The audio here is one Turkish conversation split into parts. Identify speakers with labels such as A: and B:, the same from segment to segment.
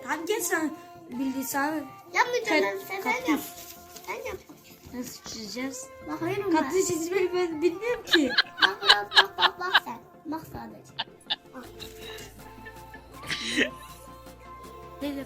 A: Hangi sen bildiysen?
B: Yapmayacağım sen yap. Sen yap.
A: Nasıl çizeceğiz?
B: Bakıyorum ben.
A: Kaktüs çizmeyi ben bilmiyorum ki.
B: Bak sen. Bak sadece. Bak.
A: Dedim.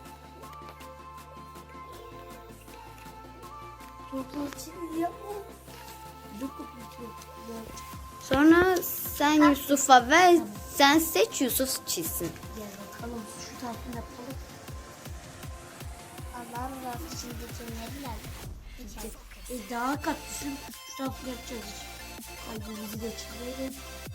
A: Toplu çiz yapma. Yok yok.
C: Sonra sen Yusuf'a ver. Sen seç, Yusuf çizsin.
A: Gel bakalım şu tarafını yapalım.
B: Allah'ım razı için geçenleriler.
A: Daha kaktüsün şu tarafını yapacağız. Kalbimizi de çizelim.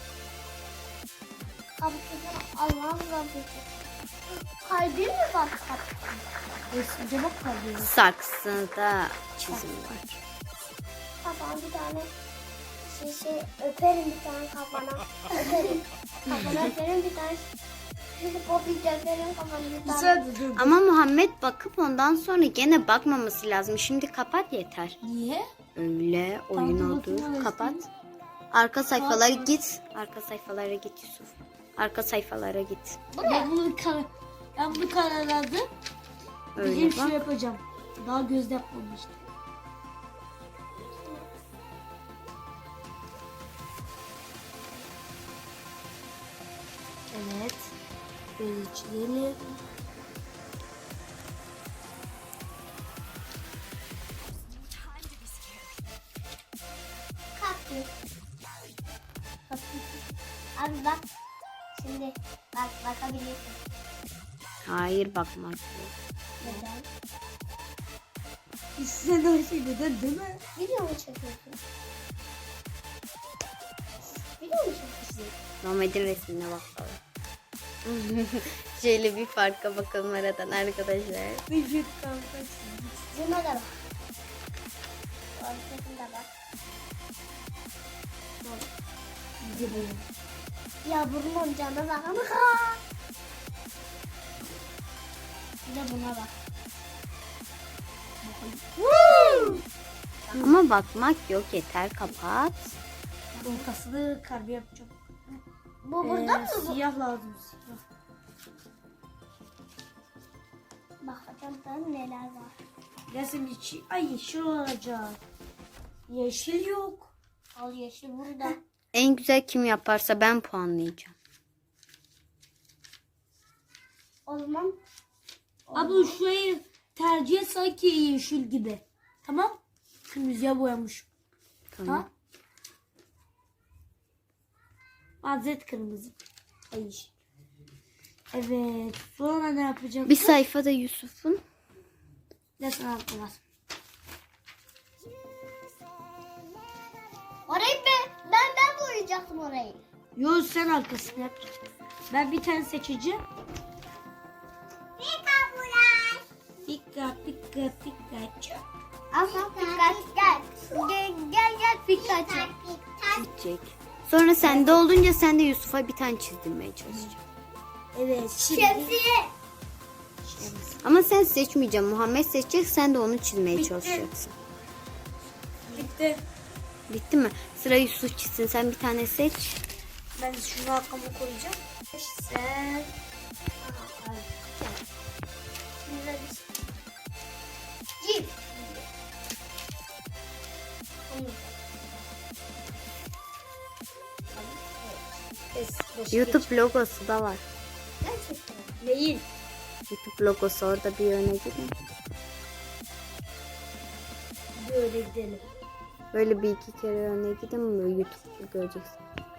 B: Kapatacağım. Allah'ım razı için. Kalbim mi var kapatacağım?
A: Resimde bak kalbimiz.
C: Saksıda çizim var.
B: Kafana bir tane şey öperim bir tane kafana. Öperim. Kafana öperim bir tane. Popit öperim kafana bir tane.
A: Güzel dur.
C: Ama Muhammed bakıp ondan sonra gene bakmaması lazım. Şimdi kapat yeter.
A: Niye?
C: Öyle oyun
A: Tamam,
C: oldu.
A: bakayım,
C: Kapat.
A: resmi.
C: Arka sayfalara git. Arka sayfalara git Yusuf. Arka sayfalara git.
A: Ben bunu kararladım.
C: Öyle
A: Bizim şu
C: bak.
A: yapacağım. Daha gözde yapmamıştım. Evet. Böyle çizelim.
B: Kaktüs. Abi bak. Şimdi bak bakabilirsin.
C: Hayır bakmak yok.
B: Neden?
A: Sen her şey neden değil mi?
B: Video mu çekiyorsun? Video mu çekiyorsun?
C: Muhammed'in resmine bakalım. Şöyle bir farka bakalım aradan arkadaşlar.
A: Vücut kalkası.
B: Zıma da bak. Ortasında bak.
A: Gidelim.
B: Ya bunun canına bak ama. Bir de buna bak.
C: Ama bakmak yok, yeter, kapat.
A: Ortasını kalbi yapacağım.
B: Bu burada mı bu?
A: Siyah lazım. Siyah.
B: Bakacağım ben neler var.
A: Resim içi. Ay yeşil olacak. Yeşil yok.
B: Al yeşil burada.
C: En güzel kim yaparsa ben puanlayacağım.
B: O zaman
A: Abla şurayı tercih et sanki yeşil gibi. Tamam. Kırmızıya boyamış.
C: Tamam.
A: Ha? Mazeret kırmızı. Ay yeşil. Evet. Sonra ne yapacağım?
C: Bir sayfada Yusuf'un.
A: Ne sanatı var?
B: orayı ben boyayacaktım orayı.
A: Yo sen arkasını yap. Ben bir tane seçeceğim. Dikkat dikkat dikkat.
B: Asla dikkat gel. Gel Pikachu.
C: Gidecek. Sonra sende olunca sen de Yusuf'a bir tane çizdirmeye çalışacaksın.
A: Evet. Şimdi.
B: Şemsiye.
C: Ama sen seçmeyeceksin. Muhammed seçecek, sen de onu çizmeye
A: Bitti.
C: çalışacaksın.
A: Bitti.
C: Bitti mi? Sıra Yusuf çizsin. Sen bir tane seç.
A: Ben şunu arkamı koyacağım. Sen.
B: Cip.
C: YouTube logosu da var.
B: Gerçekten.
A: Değil.
C: YouTube logosu orada bir öne gidin.
A: Böyle gidelim.
C: Böyle bir iki kere öne gidin, böyle YouTube'u göreceksin.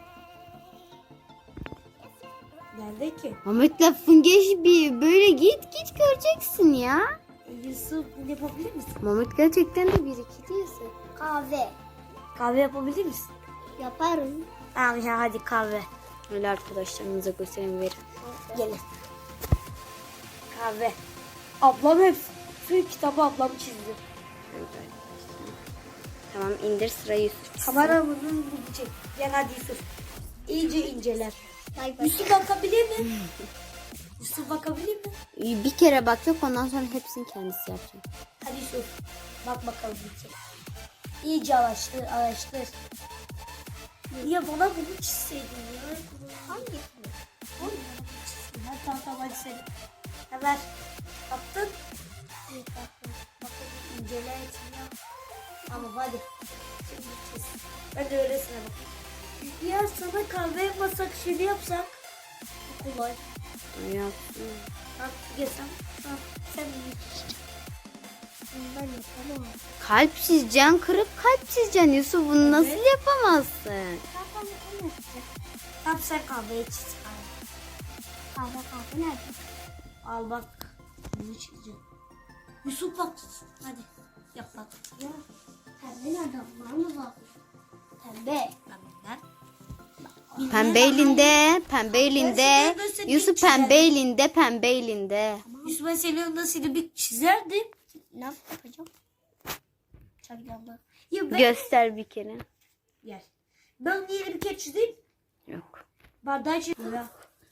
A: Nerede ki?
C: Muhammed lafın bir böyle git göreceksin ya.
A: Yusuf yapabilir misin?
C: Muhammed gerçekten de bir iki değilsin.
B: Kahve.
A: Kahve yapabilir misin?
B: Yaparım.
A: Tamam ya hadi kahve.
C: Öyle arkadaşlarınıza gösterin, verin.
A: Gelin. Kahve. Ablam hep şu kitabı ablam çizdi.
C: Öyle arkadaşlar. Tamam, indir, sıra Yusuf çizsin.
A: Kameramızın bunu çek. Gel hadi Yusuf. İyice inceler.
B: Bay bay.
A: Yusuf bakabilir mi? Yusuf bakabilir mi?
C: Bir kere bak yok, ondan sonra hepsini kendisi yapacak.
A: Hadi Yusuf. Bak bakalım bir çek. İyice araştır. Ya bana bunu çizseydin ya.
B: Hangisi?
A: Hadi tamam hadi sen. Hemen attın. Bakalım incele etmiyor. Tamam hadi. Şimdi çiz. Ben de öylesine bakayım. Ya sana kahve yapmasak şimdi yapsak. Kolay.
C: Yapsın.
A: Bak yesem. Sen iyi çizeceksin.
B: Ben yapamam.
C: Kalp çizeceksin, kırıp kalp çizeceksin Yusuf. Bunu nasıl
A: Evet.
C: yapamazsın?
B: Kahve ne yapacak?
A: Tamam sen kahveyi çiz.
B: Kahve nerede?
A: Al bak. Bunu çizeceğim. Yusuf bak. Hadi. Yap bak.
B: Ya pembe nerede? Var mı zaten? Pembe.
A: Benden.
C: Pembe elinde, pembe elinde.
A: Ben seni
C: Yusuf
A: çizerim.
C: pembe elinde, pembe elinde.
A: Yusuf ben senin yanında seni bir çizerdim.
B: Ne yapacağım? Çakacağım.
A: Ya ben...
C: Göster bir kere.
A: Gel. Ben yeni bir kere çizeyim.
C: Yok.
A: Bardağı çizeyim. Ya.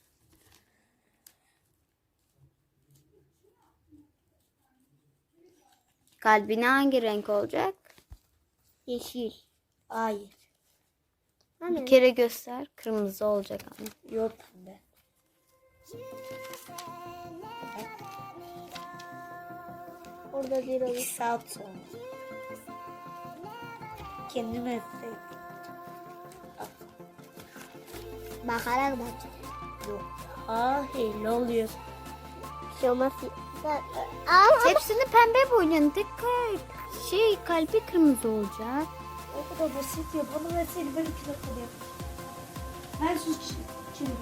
C: Kalbine hangi renk olacak?
B: Yeşil.
A: Hayır.
C: Bir kere göster. Kırmızı olacak ama.
A: Yok pembe.
B: Orada bir
A: 2 saat sonra. Kendime etseydim.
B: bakarak bak.
A: Yok. Ne oluyor?
B: Bir şey olmaz. Ama
C: Hepsini pembe boyayın. Dikkat. Kalbi kırmızı olacak.
A: O kadar basit ya. Bana verseydi ben 2 dakikada yaparım. Ben sus çizdim.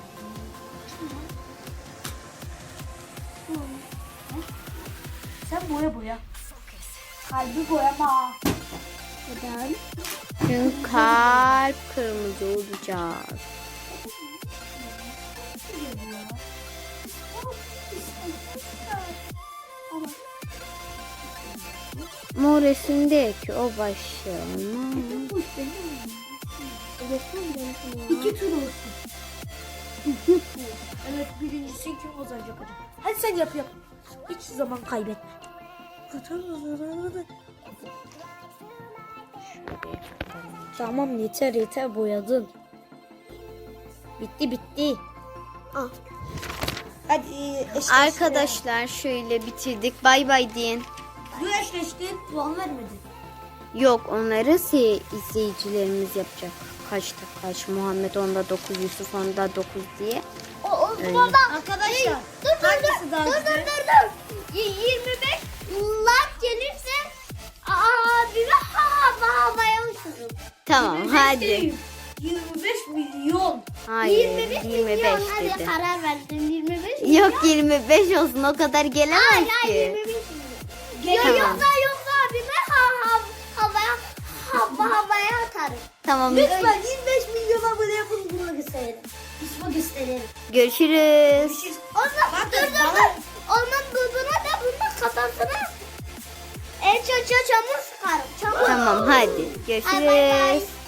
A: Sen boya. Kalbi boyama.
B: neden?
C: Çünkü kalp kırmızı olacak. Mor resimdeki o başlama.
A: İki tur olsun. Evet birincisi kim kazanacak acaba? Hadi sen yap. Hiç zaman kaybetme. Tamam yeter boyadın. Bitti.
B: Al.
A: Hadi
C: Arkadaşlar şöyle bitirdik. Bay bay deyin.
A: Bu eşleştin puan vermedi.
C: Yok onları izleyicilerimiz yapacak. Kaç Muhammed onda 9, Yusuf onda 9 diye.
B: O
C: Öyle.
B: burada.
A: Arkadaşlar
B: Dur.
A: daha güzel?
B: 25 like gelirse abime havaya uçurum.
C: Tamam hadi.
A: 25 milyon.
C: Hayır 25
B: milyon. Hadi
C: dedi.
B: karar verdim 25 milyon.
C: Yok 25 olsun o kadar gelemez
B: Hayır
C: ki.
B: 25 milyon.
C: Tamam.
B: Yoksa abime havaya atarım.
C: Tamam
A: Lütfen 25 milyon abone yapın buna gösterelim. Yusuf'a gösterelim.
C: görüşürüz.
B: Ondan dur. Ondan duduna da bunun kafasına çamur sıkarım. Çamur.
C: Tamam hadi
B: Ay, bay bay.
C: görüşürüz.